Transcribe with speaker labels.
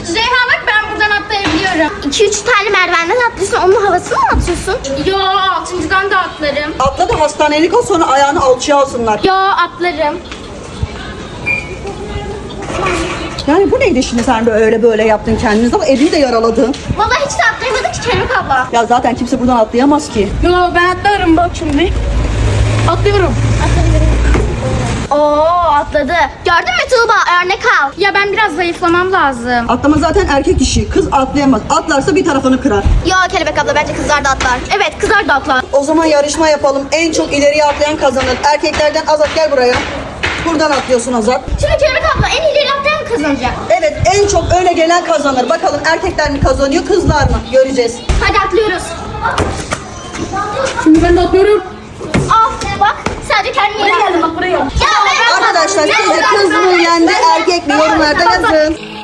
Speaker 1: Zehra bak ben buradan atlayabiliyorum.
Speaker 2: 2-3 tane merdivenden atlıyorsun. Onun havasını mı atıyorsun?
Speaker 1: Yo 6.'dan da atlarım.
Speaker 3: Atla da hastanelik ol, sonra ayağını alçıya alsınlar.
Speaker 1: Yo atlarım.
Speaker 3: Yani bu neydi şimdi, sen böyle böyle yaptın kendiniz ama elini de yaраladın.
Speaker 2: Vallahi hiç de atlayamadık ki Kelebek abla.
Speaker 3: Ya zaten kimse buradan atlayamaz ki.
Speaker 1: Yo ben atlarım bak şimdi. Atlıyorum.
Speaker 2: Oo atladı. Gördün mü Tuğba? Örnek al.
Speaker 1: Ya ben biraz zayıflamam lazım.
Speaker 3: Atlama zaten erkek işi. Kız atlayamaz. Atlarsa bir tarafını kırar.
Speaker 2: Yo Kelebek abla bence kızlar da atlar. Evet kızlar da atlar.
Speaker 3: O zaman yarışma yapalım. En çok ileriye atlayan kazanır. Erkeklerden Azat gel buraya. Buradan atlıyorsun Azat.
Speaker 2: Şimdi Kelebek abla en ileri atlayan mı kazanacak?
Speaker 3: Evet, en çok öne gelen kazanır. Bakalım erkekler mi kazanıyor, kızlar mı? Göreceğiz.
Speaker 2: Hadi atlıyoruz.
Speaker 1: Şimdi ben de atlıyorum.
Speaker 2: Al bak sadece kendine
Speaker 1: Buraya geldim bak buraya.
Speaker 2: Ya ben
Speaker 3: Arkadaşlar sizce kız mı yendi, erkek mi? Yorumlarda yazın.